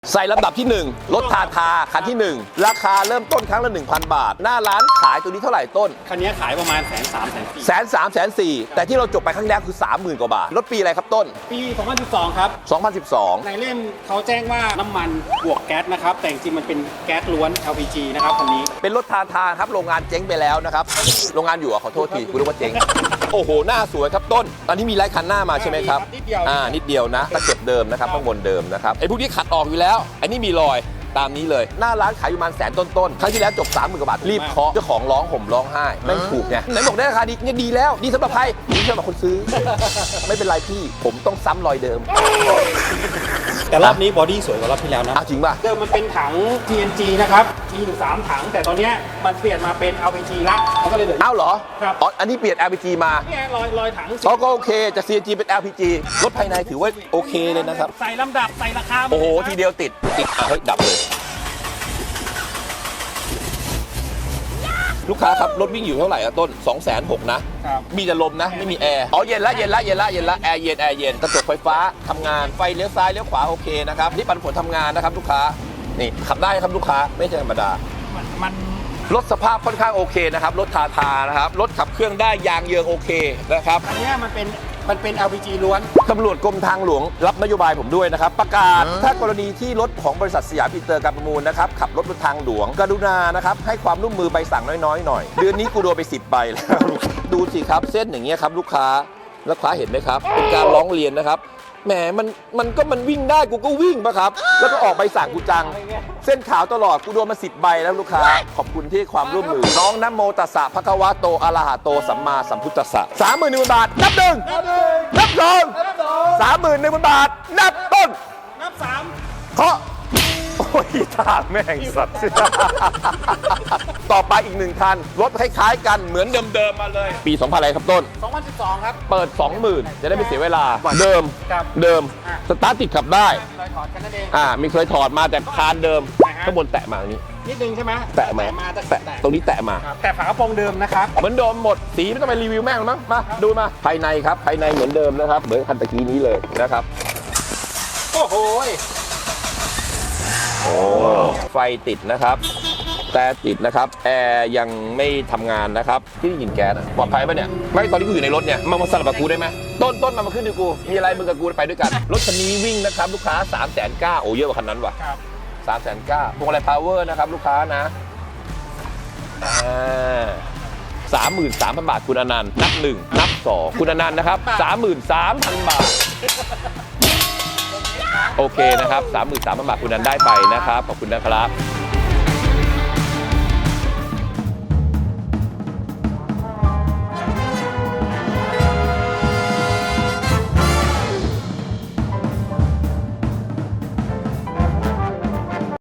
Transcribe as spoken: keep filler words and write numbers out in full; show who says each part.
Speaker 1: ใส่ลำดับที่หนึ่งรถทาทาคันที่หนึ่งราคาเริ่มต้นครั้งละ หนึ่งพัน บาทหน้าร้านขายตัวนี้เท่าไหร่ต้น
Speaker 2: คันนี้ขายประมาณแสนสามแสนสี่
Speaker 1: แสนสามแสนสี่แต่ที่เราจบไปครั้งแรกคือ สามหมื่น กว่าบาทรถปีอะไรครับต้น
Speaker 2: ปี สองพันสิบสอง ครับ
Speaker 1: สองพันสิบสอง
Speaker 2: ในเล่มเขาแจ้งว่าน้ำมันบวกแก๊สนะครับแต่จริงๆมันเป็นแก๊สล้วน แอล พี จี นะครับคันนี้
Speaker 1: เป็นรถทาทาครับโรงงานเจ๊งไปแล้วนะครับโรงงานอยู่อ่ะขอโทษทีคุณรู้ว่าเจ๊งโอ้โหหน้าสวยครับต้นตอนนี้มีไลท์คันหน้ามาใช่ไหมครับ
Speaker 2: นิดเดียว
Speaker 1: อ่านิดเดียวนะตะเก็บเดิมนะครับข้างบนเดิมนะครับไอ้พวกนี้ขัดออกอยู่แล้วอันนี้มีรอยตามนี้เลยหน้าร้านขายอยู่ประมาณแสนต้นๆครั้งที่แล้วจบ สามหมื่น กว่าบาทรีบเคาะเจ้าของร้องห่มร้องไห้ไม่ถูกไงไหนบอกได้ราคาดีเนี่ยดีแล้วดีสำหรับใครดีสำหรับคนซื้อ ไม่เป็นไรพี่ผมต้องซ้ำรอยเดิม
Speaker 2: แต่รอบนี้บอดี้สวยกว่ารอบที่แล้วนะ
Speaker 1: อ้าวจริงป่ะ
Speaker 2: เดิมมันเป็นถัง ที เอ็น จี นะครับมีอยู่สามถัง แต่ตอนเนี้ยมันเปลี่ยนมาเป็น แอล พี จี ละมันก็เลยเหลือ
Speaker 1: อ้าวเหรอ
Speaker 2: ครับ
Speaker 1: อ๋ออันนี้เปลี่ยน แอล พี จี มา
Speaker 2: เนี่ยรอยรอยถัง
Speaker 1: อ๋อก็โอเคจาก ซี เอ็น จี เป็น แอล พี จี รถภายในถือว่าโอเคเลยนะครับ
Speaker 2: ใส่ลำดับใส่ราคา
Speaker 1: โอ้โหทีเดียวติดติดอ่ะเฮ้ยดับเลยลูกค้าครับรถวิ่งอยู่เท่าไหร่อะต้น สองแสนหก นะ
Speaker 2: ครับ
Speaker 1: มีแต่ลมนะไม่มีแอร์อ๋อเย็นละเย็นละเย็นละเย็นละแอร์เย็นแอร์เย็นกระจกไฟฟ้าทำงานไฟเลี้ยวซ้ายเลี้ยวขวาโอเคนะครับนี่ปันผลทำงานนะครับลูกค้านี่ขับได้ครับลูกค้าไม่ใช่ธรรมดา
Speaker 2: มันมัน
Speaker 1: รถสภาพค่อนข้างโอเคนะครับรถทาทานะครับรถขับเครื่องได้ยางเยืองโอเคนะครับ
Speaker 2: อันเนี้ยมันเป็นมันเป็น แอล พี จี ล้วน
Speaker 1: ตำรวจกรมทางหลวงรับนโยบายผมด้วยนะครับประกาศถ้ากรณีที่รถของบริษัทสยามอินเตอร์การประมูลนะครับขับรถบนทางหลวงกรุณานะครับให้ความร่วมมือใบสั่งน้อยๆหน่อยเดือนนี้กูโดนไปสิบใบแล้ว ดูสิครับเส้นอย่างเงี้ยครับลูกค้าลูกค้าเห็นไหมครับเป็นการร้องเรียนนะครับแหมมันมันก็มันวิ่งได้กูก็วิ่งปะครับแล้วก็ออกใบสั่งกูจัง เส้นขาวตลอดกูโดนมาสิบใบแล้วลูกค้าขอบคุณที่ความร่วมมือน้องนะโมตัสสะภะคะวะโตอะระหะโตสัมมาสัมพุทธัสสะสามหมื่นหนึ่งพันบาทนับหนึ่งนับสองสามหมื่นหนึ่งพันบาทนับต้น
Speaker 2: นับสาม
Speaker 1: เคาะโอ้ยท่าแม่งสัตว์ ต่อไปอีกหนึ่งคันรถคล้ายๆกันเหมือนเดิมๆมาเลย ปีสองพันอะไรครับต้น
Speaker 2: สองพันสิบสอง ครับ
Speaker 1: เปิด สองหมื่น จะได้ไม่เสียเวลาเดิม
Speaker 2: ครับ
Speaker 1: เดิม
Speaker 2: อ่ะ
Speaker 1: สตาร์ทติดขับได้
Speaker 2: รอยถอดกันนั่นเอง
Speaker 1: อ่ามีเคยถอดมาแต่คานเดิม
Speaker 2: อ่าฮะ
Speaker 1: ข้างบนแตะมาอย่างนี้
Speaker 2: นิดนึงใช่ไหม
Speaker 1: แตะมา
Speaker 2: มาแต่
Speaker 1: แตะตรงนี้แตะมา
Speaker 2: ครับแต่ฝากระโปรงเดิมนะครับ
Speaker 1: เหมือนเดิมหมดสีไม่ต้องไปรีวิวแม่งหรอกมั้งมาดูมาภายในครับภายในเหมือนเดิมนะครับเหมือนคันตะกี้นี้เลยนะครับ
Speaker 2: โอ้โห
Speaker 1: โอ้ไฟติดนะครับแต่ติดนะครับแอร์ยังไม่ทำงานนะครับที่ได้ยินแก๊สอะปลอดภัยปะเนี่ยไม่ตอนนี้กูอยู่ในรถเนี่ยมามาสลับกับกูได้ไหมต้นต้นมามาขึ้นดูกูมีอะไรมึงกับกูไปด้วยกันรถคันนี้วิ่งนะครับลูกค้า สามแสนเก้า โอ้เยอะกว่าคันนั้นว่ะ
Speaker 2: ครับ
Speaker 1: สามแสนเก้าพวงอะไรพาวเวอร์นะครับลูกค้านะสามหมื่นสามพันบาทคุณอนันต์นับหนึ่งนับสองคุณอนันต์นะครับสามหมื่นสามพันบาทโอเคนะครับสามหมื่นสามพันบาทคุณอนันต์ได้ไปนะครับขอบคุณนะครับ